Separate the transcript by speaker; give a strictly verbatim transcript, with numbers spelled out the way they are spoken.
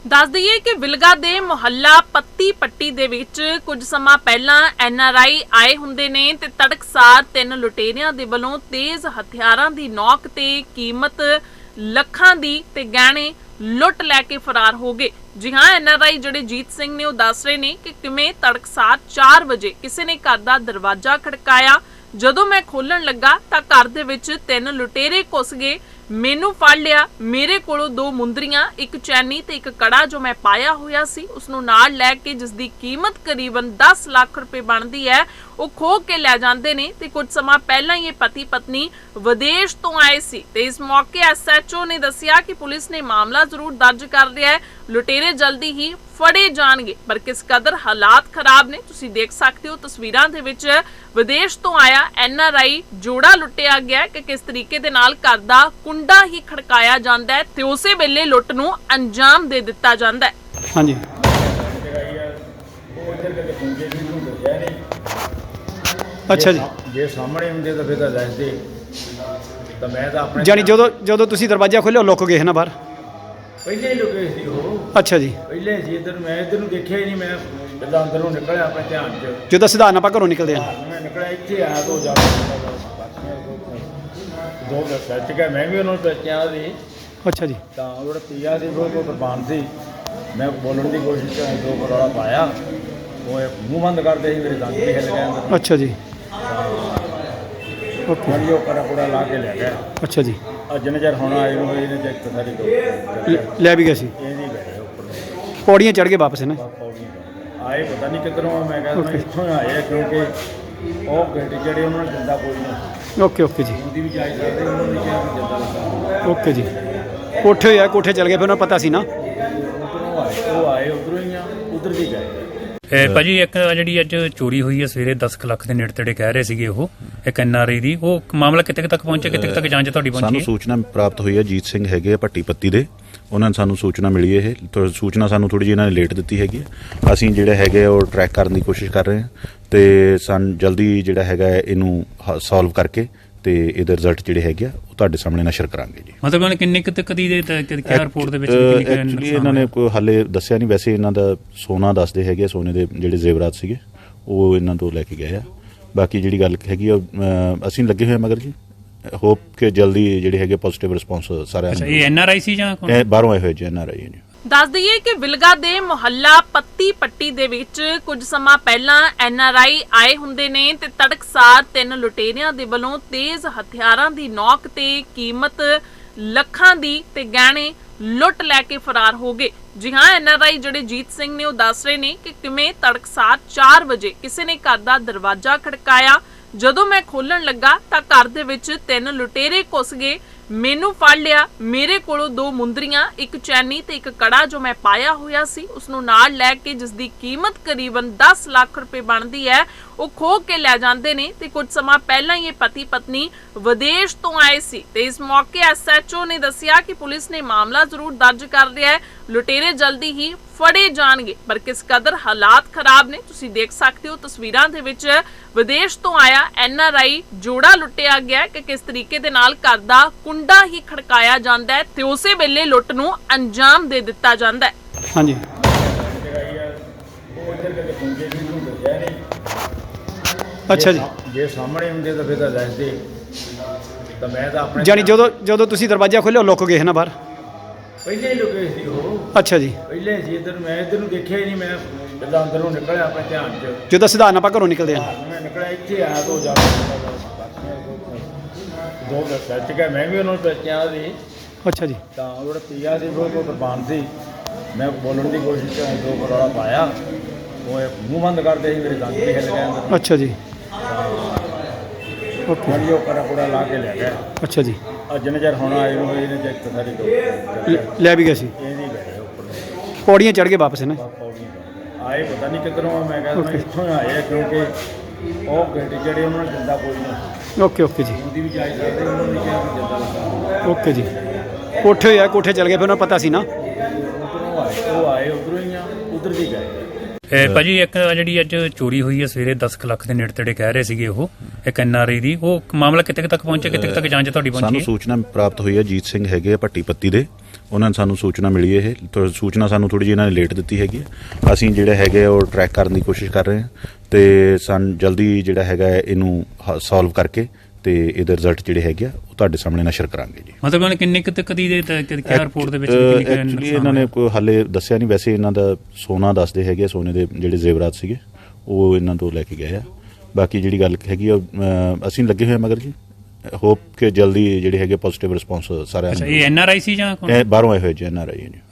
Speaker 1: दस दईए कि विलगा दे मुहल्ला पत्ती पट्टी दे विच कुछ समा पहला एन आर आई आए हुंदे ने ते तड़कसार तीन लुटेरियां दे वल्लों तेज हथियारां दी नौक ते कीमत ਲੱਖਾਂ ਦੀ ਤੇ ਗਹਿਣੇ ਲੁੱਟ ਲੈ ਕੇ ਫਰਾਰ ਹੋ ਗਏ। जी हाँ, एन आर आई ਜਿਹੜੇ ਜੀਤ ਸਿੰਘ ਨੇ ਉਹ ਦੱਸ ਰਹੇ ਨੇ ਕਿ ਕਿਵੇਂ ਤੜਕਸਾਰ ਚਾਰ ਵਜੇ ਕਿਸੇ ਨੇ ਘਰ ਦਾ ਦਰਵਾਜ਼ਾ ਖੜਕਾਇਆ। ਜਦੋਂ ਮੈਂ ਖੋਲਣ ਲੱਗਾ ਤਾਂ ਘਰ ਦੇ ਵਿੱਚ ਤਿੰਨ ਲੁਟੇਰੇ ਘੁਸ ਗਏ, ਮੈਨੂੰ ਫੜ ਲਿਆ। ਮੇਰੇ ਕੋਲੋਂ ਦੋ ਮੁੰਦਰੀਆਂ, ਇੱਕ ਚੈਨੀ ਤੇ ਇੱਕ ਕੜਾ ਜੋ ਮੈਂ ਪਾਇਆ ਹੋਇਆ ਸੀ ਉਸ ਨੂੰ ਨਾਲ ਲੈ ਕੇ, ਜਿਸ ਦੀ ਕੀਮਤ ਕਰੀਬਨ दस ਲੱਖ ਰੁਪਏ ਬਣਦੀ ਹੈ, ਉਹ ਖੋਹ ਕੇ ਲੈ ਜਾਂਦੇ ਨੇ। ਤੇ ਕੁਝ ਸਮਾਂ ਪਹਿਲਾਂ ਹੀ ਇਹ ਪਤੀ ਪਤਨੀ ਵਿਦੇਸ਼ ਤੋਂ ਆਏ ਸੀ ਤੇ ਇਸ ਮੌਕੇ ਐਸ ਐਚ ਓ ਨੇ ਦੱਸਿਆ ਕਿ ਪੁਲਿਸ ਨੇ ਮਾਮਲਾ ਜ਼ਰੂਰ ਦਰਜ ਕਰ ਲਿਆ ਹੈ, ਲੁਟੇਰੇ ਜਲਦੀ ਹੀ ਫੜੇ ਜਾਣਗੇ। ਪਰ ਕਿਸ ਕਦਰ ਹਾਲਾਤ ਖਰਾਬ ਨੇ ਤੁਸੀਂ ਦੇਖ ਸਕਦੇ ਹੋ ਤਸਵੀਰਾਂ ਦੇ ਵਿੱਚ। ਵਿਦੇਸ਼ ਤੋਂ ਆਇਆ ਐਨ ਆਰ ਆਈ ਜੋੜਾ ਲੁੱਟਿਆ ਗਿਆ ਕਿ ਕਿਸ ਤਰੀਕੇ ਦੇ ਨਾਲ ਘਰ ਦਾ ਕੁੰਡਾ ਹੀ ਖੜਕਾਇਆ ਜਾਂਦਾ ਹੈ ਤੇ ਉਸੇ ਵੇਲੇ ਲੁੱਟ ਨੂੰ ਅੰਜਾਮ ਦੇ ਦਿੱਤਾ ਜਾਂਦਾ ਹੈ।
Speaker 2: ਹਾਂਜੀ ਅੱਛਾ ਜੀ,
Speaker 3: ਜੇ ਸਾਹਮਣੇ ਹੁੰਦੇ ਤਾਂ ਫਿਰ ਤਾਂ ਦੱਸਦੇ, ਤਾਂ ਮੈਂ ਤਾਂ ਆਪਣੇ
Speaker 2: ਜਾਨੀ ਜਦੋਂ ਜਦੋਂ ਤੁਸੀਂ ਦਰਵਾਜ਼ਾ ਖੋਲ੍ਹਿਆ ਲੁੱਕ ਗਏ ਨਾ ਬਾਹਰ?
Speaker 3: ਪਹਿਲੇ ਹੀ ਲੁਕੇ ਸੀ ਉਹ।
Speaker 2: ਅੱਛਾ ਜੀ,
Speaker 3: ਪਹਿਲੇ ਸੀ ਇੱਧਰ, ਮੈਂ ਇੱਧਰ ਨੂੰ ਦੇਖਿਆ ਹੀ ਨਹੀਂ। ਮੈਂ ਜਦੋਂ ਅੰਦਰੋਂ ਨਿਕਲਿਆ ਆਪਣੇ ਧਿਆਨ 'ਚ,
Speaker 2: ਜਦੋਂ ਸਿਧਾਰਨ ਆਪਾਂ ਘਰੋਂ ਨਿਕਲਦੇ ਹਾਂ,
Speaker 3: ਮੈਂ ਨਿਕਲਿਆ ਇੱਥੇ ਆਇਆ ਤੋਂ ਜਾ ਦੋ ਸੱਚ ਗਿਆ, ਮੈਂ ਵੀ ਉਹਨਾਂ ਨੂੰ ਪਹਿਚਾਣਿਆ ਸੀ।
Speaker 2: ਅੱਛਾ ਜੀ,
Speaker 3: ਤਾਂ ਉਹ ਜਿਹੜਾ ਪੀਆ ਸੀ ਉਹ ਕੋਈ ਕੁਰਬਾਨ ਸੀ। ਮੈਂ ਬੋਲਣ ਦੀ ਕੋਸ਼ਿਸ਼ ਕਰਾਂ, ਦੋ ਕਰੋੜਾ ਪਾਇਆ, ਉਹ ਮੂੰਹ ਬੰਦ ਕਰਦੇ ਸੀ, ਮੇਰੇ ਦੰਦ ਵੀ ਹਿੱਲ ਗਏ ਅੰਦਰ।
Speaker 2: ਅੱਛਾ ਜੀ, ਓਕੇ,
Speaker 3: ਮੰਨ ਲਿਓ ਕੜਾ ਕੁੜਾ ਲਾ ਕੇ ਲੈ ਗਿਆ।
Speaker 2: ਅੱਛਾ ਜੀ,
Speaker 3: ਅੱਜ ਨਜ਼ਰ ਹੁਣ ਆਏ ਨੂੰ ਇਹਨੇ ਚੈੱਕ ਤਾਂ ਸਾਰੀ ਦੋ
Speaker 2: ਲੈ ਵੀ ਗਏ ਸੀ,
Speaker 3: ਇਹਦੀ ਗਏ ਉੱਪਰ
Speaker 2: ਪੌੜੀਆਂ ਚੜ੍ਹ ਕੇ ਵਾਪਸ ਨਾ
Speaker 3: ਪੌੜੀਆਂ ਆਏ, ਪਤਾ ਨਹੀਂ ਕਿੱਧਰੋਂ ਆ। ਮੈਂ ਕਹਿੰਦਾ ਮੈਂ ਇੱਥੋਂ ਆਏ ਆ, ਕਿਉਂਕਿ ਉਹ ਗੱਡੀ ਜਿਹੜੇ ਉਹਨਾਂ ਨੇ ਜਿੰਦਾ ਕੋਈ ਨਹੀਂ।
Speaker 2: ਓਕੇ ਓਕੇ ਜੀ,
Speaker 3: ਉਹਦੀ ਵੀ ਜਾਇਜ਼ ਸਕਦੇ, ਉਹਨਾਂ ਨੇ ਕਿਹਾ ਵੀ ਜਿੰਦਾ ਲੱਗਾ।
Speaker 2: ਓਕੇ ਜੀ, ਕੋਠੇ ਹੋਇਆ, ਕੋਠੇ ਚਲ ਗਏ, ਫਿਰ ਉਹਨਾਂ ਨੂੰ ਪਤਾ ਸੀ ਨਾ
Speaker 3: ਉੱਧਰੋਂ ਆਏ, ਉਹ ਆਏ ਉੱਧਰੋਂ ਹੀ ਆ, ਉੱਧਰ ਦੀ ਗਏ।
Speaker 4: ਭਾਜੀ ਇੱਕ ਜਿਹੜੀ ਅੱਜ ਚੋਰੀ ਹੋਈ ਹੈ ਸਵੇਰੇ ਦਸ ਕੁ ਲੱਖ ਦੇ ਨੇੜੇ ਤੇੜੇ ਕਹਿ ਰਹੇ ਸੀਗੇ ਉਹ ਇੱਕ ਐਨ ਆਰ ਆਈ ਦੀ, ਉਹ ਮਾਮਲਾ ਕਿੱਥੇ ਤੱਕ ਪਹੁੰਚਿਆ, ਕਿੱਥੇ ਤੱਕ ਜਾਂਚ ਤੁਹਾਡੀ ਪਹੁੰਚੀ?
Speaker 5: ਸਾਨੂੰ ਸੂਚਨਾ ਪ੍ਰਾਪਤ ਹੋਈ ਹੈ, ਜੀਤ ਸਿੰਘ ਹੈਗੇ ਆ ਭੱਟੀ ਪੱਤੀ ਦੇ, ਉਹਨਾਂ ਨੇ ਸਾਨੂੰ ਸੂਚਨਾ ਮਿਲੀ। ਇਹ ਸੂਚਨਾ ਸਾਨੂੰ ਥੋੜੀ ਜਿਹੀ ਇਹਨਾਂ ਨੇ ਲੇਟ ਦਿੱਤੀ ਹੈਗੀ ਹੈ। ਅਸੀਂ ਜਿਹੜੇ ਹੈਗੇ ਉਹ ਟਰੈਕ ਕਰਨ ਦੀ ਕੋਸ਼ਿਸ਼ ਕਰ ਰਹੇ ਹਾਂ ਤੇ ਸਾਨੂੰ ਜਲਦੀ ਜਿਹੜਾ ਹੈਗਾ ਇਹਨੂੰ ਸੋਲਵ ਕਰਕੇ ਤੇ ਇਹਦੇ ਰਿਜ਼ਲਟ ਜਿਹੜੇ ਹੈਗੇ ਆ ਉਹ ਤੁਹਾਡੇ ਸਾਹਮਣੇ ਨਸ਼ਰ ਕਰਾਂਗੇ ਜੀ।
Speaker 4: ਮਤਲਬ ਉਹਨਾਂ ਕਿੰਨੇ ਕੁ ਤੱਕ ਦੀ ਕਿਹਾ ਰਿਪੋਰਟ ਦੇ ਵਿੱਚ ਕਿੰਨੀ ਕੁ
Speaker 5: ਐਕਚੁਅਲੀ ਇਹਨਾਂ ਨੇ ਕੋਈ ਹਾਲੇ ਦੱਸਿਆ ਨਹੀਂ। ਵੈਸੇ ਇਹਨਾਂ ਦਾ ਸੋਨਾ ਦੱਸਦੇ ਹੈਗੇ, ਸੋਨੇ ਦੇ ਜਿਹੜੇ ਜ਼ੇਵਰਾਤ ਸੀਗੇ ਉਹ ਇਹਨਾਂ ਤੋਂ ਲੈ ਕੇ ਗਏ ਆ। ਬਾਕੀ ਜਿਹੜੀ ਗੱਲ ਹੈਗੀ ਆ ਅਸੀਂ ਲੱਗੇ ਹੋਏ ਮਗਰ ਜੀ, ਹੋਪ ਕਿ ਜਲਦੀ ਜਿਹੜੇ ਹੈਗੇ ਪੋਜ਼ਿਟਿਵ ਰਿਸਪੌਂਸ ਸਾਰਿਆਂ ਨੂੰ।
Speaker 4: ਇਹ ਐਨ ਆਰ ਆਈ ਸੀ ਜਾਂ
Speaker 5: ਬਾਹਰੋਂ ਆਏ ਹੋਏ ਜੀ ਐਨ ਆਰ ਆਈ ਜੀ।
Speaker 1: दस दईए कि विलगा दे मुहल्ला पत्ती पट्टी दे विच कुछ समा पहला एन आर आई आए हुंदे ने ते तड़कसार तीन लुटेरियां दे वल्लों तेज हथियारां दी नौक ते कीमत ਲੱਖਾਂ ਦੀ ਤੇ ਗਹਿਣੇ ਲੁੱਟ ਲੈ ਕੇ ਫਰਾਰ ਹੋ ਗਏ। जी हाँ, एन आर आई ਜਿਹੜੇ ਜੀਤ ਸਿੰਘ ਨੇ ਉਹ ਦੱਸ ਰਹੇ ਨੇ ਕਿ ਕਿਵੇਂ ਤੜਕਸਾਰ ਚਾਰ ਵਜੇ ਕਿਸੇ ਨੇ ਘਰ ਦਾ ਦਰਵਾਜ਼ਾ ਖੜਕਾਇਆ। ਜਦੋਂ ਮੈਂ ਖੋਲਣ ਲੱਗਾ ਤਾਂ ਘਰ ਦੇ ਵਿੱਚ ਤਿੰਨ ਲੁਟੇਰੇ ਘੁਸ ਗਏ, ਮੈਨੂੰ ਫੜ ਲਿਆ। ਮੇਰੇ ਕੋਲੋਂ ਦੋ ਮੁੰਦਰੀਆਂ, ਇੱਕ ਚੈਨੀ ਤੇ ਇੱਕ ਕੜਾ ਜੋ ਮੈਂ ਪਾਇਆ ਹੋਇਆ ਸੀ ਉਸ ਨੂੰ ਨਾਲ ਲੈ ਕੇ, ਜਿਸ ਦੀ ਕੀਮਤ ਕਰੀਬਨ दस ਲੱਖ ਰੁਪਏ ਬਣਦੀ ਹੈ, ਉਹ ਖੋਹ ਕੇ ਲੈ ਜਾਂਦੇ ਨੇ। ਤੇ ਕੁਝ ਸਮਾਂ ਪਹਿਲਾਂ ਹੀ ਇਹ ਪਤੀ ਪਤਨੀ ਵਿਦੇਸ਼ ਤੋਂ ਆਏ ਸੀ ਤੇ ਇਸ ਮੌਕੇ ਐਸ ਐਚ ਓ ਨੇ ਦੱਸਿਆ ਕਿ ਪੁਲਿਸ ਨੇ ਮਾਮਲਾ ਜ਼ਰੂਰ ਦਰਜ ਕਰ ਲਿਆ ਹੈ, ਲੁਟੇਰੇ ਜਲਦੀ ਹੀ ਫੜੇ ਜਾਣਗੇ। ਪਰ ਕਿਸ ਕਦਰ ਹਾਲਾਤ ਖਰਾਬ ਨੇ ਤੁਸੀਂ ਦੇਖ ਸਕਦੇ ਹੋ ਤਸਵੀਰਾਂ ਦੇ ਵਿੱਚ। ਵਿਦੇਸ਼ ਤੋਂ ਆਇਆ ਐਨ ਆਰ ਆਈ ਜੋੜਾ ਲੁੱਟਿਆ ਗਿਆ ਕਿ ਕਿਸ ਤਰੀਕੇ ਦੇ ਨਾਲ ਘਰ ਦਾ ਕੁੰਡਾ ਹੀ ਖੜਕਾਇਆ ਜਾਂਦਾ ਹੈ ਤੇ ਉਸੇ ਵੇਲੇ ਲੁੱਟ ਨੂੰ ਅੰਜਾਮ ਦੇ ਦਿੱਤਾ ਜਾਂਦਾ ਹੈ।
Speaker 2: ਹਾਂਜੀ ਅੱਛਾ ਜੀ,
Speaker 3: ਜੇ ਸਾਹਮਣੇ ਹੁੰਦੇ ਤਾਂ ਫਿਰ ਤਾਂ ਦੱਸਦੇ, ਤਾਂ ਮੈਂ ਤਾਂ ਆਪਣੇ
Speaker 2: ਜਾਨੀ ਜਦੋਂ ਜਦੋਂ ਤੁਸੀਂ ਦਰਵਾਜ਼ਾ ਖੋਲ੍ਹਿਆ ਲੁੱਕ ਗਏ ਨਾ ਬਾਹਰ?
Speaker 3: ਪਹਿਲੇ ਹੀ ਲੁਕੇ ਸੀ ਉਹ।
Speaker 2: ਅੱਛਾ ਜੀ,
Speaker 3: ਪਹਿਲੇ ਸੀ ਇੱਧਰ, ਮੈਂ ਇੱਧਰ ਨੂੰ ਦੇਖਿਆ ਹੀ ਨਹੀਂ। ਮੈਂ ਜਦੋਂ ਅੰਦਰੋਂ ਨਿਕਲਿਆ ਆਪਣੇ ਧਿਆਨ 'ਚ,
Speaker 2: ਜਦੋਂ ਸਿਧਾਰਨ ਆਪਾਂ ਘਰੋਂ ਨਿਕਲਦੇ ਹਾਂ,
Speaker 3: ਮੈਂ ਨਿਕਲਿਆ ਇੱਥੇ ਆਇਆ ਤੋਂ ਜਾ ਦੋ ਸੱਚ ਗਿਆ, ਮੈਂ ਵੀ ਉਹਨਾਂ ਨੂੰ ਪਹਿਚਾਣਿਆ ਸੀ।
Speaker 2: ਅੱਛਾ ਜੀ,
Speaker 3: ਤਾਂ ਉਹ ਜਿਹੜਾ ਪੀਆ ਸੀ ਉਹ ਕੋਈ ਕੁਰਬਾਨ ਸੀ। ਮੈਂ ਬੋਲਣ ਦੀ ਕੋਸ਼ਿਸ਼ ਕਰਾਂ, ਦੋ ਕਰੋੜਾ ਪਾਇਆ, ਉਹ ਮੂੰਹ ਬੰਦ ਕਰਦੇ ਸੀ, ਮੇਰੇ ਦੰਦ ਵੀ ਹਿੱਲ ਗਏ ਅੰਦਰ।
Speaker 2: ਅੱਛਾ ਜੀ, ਓਕੇ,
Speaker 3: ਮੰਨ ਲਿਓ ਕੜਾ ਕੁੜਾ ਲਾ ਕੇ ਲੈ ਗਿਆ।
Speaker 2: ਅੱਛਾ ਜੀ,
Speaker 3: ਅੱਜ ਨਜ਼ਰ ਹੁਣ ਆਏ ਨੂੰ ਇਹਨੇ ਚੈੱਕ ਤਾਂ ਸਾਰੀ ਦੋ
Speaker 2: ਲੈ ਵੀ ਗਏ ਸੀ,
Speaker 3: ਇਹਦੀ ਗਏ ਉੱਪਰ
Speaker 2: ਪੌੜੀਆਂ ਚੜ੍ਹ ਕੇ ਵਾਪਸ ਨਾ
Speaker 3: ਪੌੜੀਆਂ ਆਏ, ਪਤਾ ਨਹੀਂ ਕਿੱਧਰੋਂ ਆ। ਮੈਂ ਕਹਿੰਦਾ ਮੈਂ ਇੱਥੋਂ ਆਏ ਆ, ਕਿਉਂਕਿ ਉਹ ਗੱਡੀ ਜਿਹੜੇ ਉਹਨਾਂ ਨੇ ਜਿੰਦਾ ਕੋਈ ਨਹੀਂ।
Speaker 2: ਓਕੇ ਓਕੇ ਜੀ,
Speaker 3: ਉਹਦੀ ਵੀ ਜਾਇਜ਼ ਸਕਦੇ, ਉਹਨਾਂ ਨੇ ਕਿਹਾ ਵੀ ਜਿੰਦਾ ਲੱਗਾ।
Speaker 2: ਓਕੇ ਜੀ, ਕੋਠੇ ਹੋਇਆ, ਕੋਠੇ ਚਲ ਗਏ, ਫਿਰ ਉਹਨਾਂ ਨੂੰ ਪਤਾ ਸੀ ਨਾ
Speaker 3: ਉੱਧਰੋਂ ਆਏ, ਉਹ ਆਏ ਉੱਧਰੋਂ ਹੀ ਆ, ਉੱਧਰ ਦੀ ਗਏ।
Speaker 4: ਭਾਜੀ ਇੱਕ ਜਿਹੜੀ ਅੱਜ ਚੋਰੀ ਹੋਈ ਹੈ ਸਵੇਰੇ ਦਸ ਕੁ ਲੱਖ ਦੇ ਨੇੜੇ ਤੇੜੇ ਕਹਿ ਰਹੇ ਸੀਗੇ ਉਹ ਇੱਕ ਐਨ ਆਰ ਆਈ ਦੀ, ਉਹ ਮਾਮਲਾ ਕਿੱਥੇ ਤੱਕ ਪਹੁੰਚਿਆ, ਕਿੱਥੇ ਤੱਕ ਜਾਂਚ ਤੁਹਾਡੀ ਪਹੁੰਚੀ?
Speaker 5: ਸਾਨੂੰ ਸੂਚਨਾ ਪ੍ਰਾਪਤ ਹੋਈ ਹੈ, ਜੀਤ ਸਿੰਘ ਹੈਗੇ ਆ ਭੱਟੀ ਪੱਤੀ ਦੇ, ਉਹਨਾਂ ਨੇ ਸਾਨੂੰ ਸੂਚਨਾ ਮਿਲੀ ਇਹ ਤਾਂ ਸੂਚਨਾ ਸਾਨੂੰ ਥੋੜੀ ਜਿਹੀ ਇਹਨਾਂ ਨੇ ਲੇਟ ਦਿੱਤੀ ਹੈਗੀ ਹੈ। ਅਸੀਂ ਜਿਹੜਾ ਹੈਗੇ ਉਹ ਟਰੈਕ ਕਰਨ ਦੀ ਕੋਸ਼ਿਸ਼ ਕਰ ਰਹੇ ਹਾਂ ਤੇ ਸਾਨੂੰ ਜਲਦੀ ਜਿਹੜਾ ਹੈਗਾ ਇਹਨੂੰ ਸੋਲਵ ਕਰਕੇ ਤੇ ਇਹਦੇ ਰਿਜ਼ਲਟ ਜਿਹੜੇ ਹੈਗੇ ਆ ਉਹ ਤੁਹਾਡੇ ਸਾਹਮਣੇ ਨਸ਼ਰ ਕਰਾਂਗੇ ਜੀ।
Speaker 4: ਮਤਲਬ ਉਹਨਾਂ ਨੇ ਕਿੰਨੇ ਕੁ ਤੱਕ ਦੀ ਦੇ ਕਿਆ ਰਿਪੋਰਟ ਦੇ ਵਿੱਚ ਕਿੰਨੀ ਕੁ
Speaker 5: ਐਕਚੁਅਲੀ ਇਹਨਾਂ ਨੇ ਕੋਈ ਹਾਲੇ ਦੱਸਿਆ ਨਹੀਂ, ਵੈਸੇ ਇਹਨਾਂ ਦਾ ਸੋਨਾ ਦੱਸਦੇ ਹੈਗੇ, ਸੋਨੇ ਦੇ ਜਿਹੜੇ ਜ਼ੇਵਰਾਤ ਸੀਗੇ ਉਹ ਇਹਨਾਂ ਤੋਂ ਲੈ ਕੇ ਗਏ ਆ। ਬਾਕੀ ਜਿਹੜੀ ਗੱਲ ਹੈਗੀ ਆ ਅਸੀਂ ਲੱਗੇ ਹੋਏ ਮਗਰ ਜੀ, ਹੋਪ ਕਿ ਜਲਦੀ ਜਿਹੜੇ ਹੈਗੇ ਪੋਜ਼ਿਟਿਵ ਰਿਸਪੌਂਸ ਸਾਰਿਆਂ
Speaker 4: ਅੱਛਾ ਇਹ ਐਨ ਆਰ ਆਈ ਸੀ ਜਾਂ
Speaker 5: ਨੂੰ ਬਾਹਰੋਂ ਆਏ ਹੋਏ ਜੀ ਐਨ ਆਰ ਆਈ ਜੀ।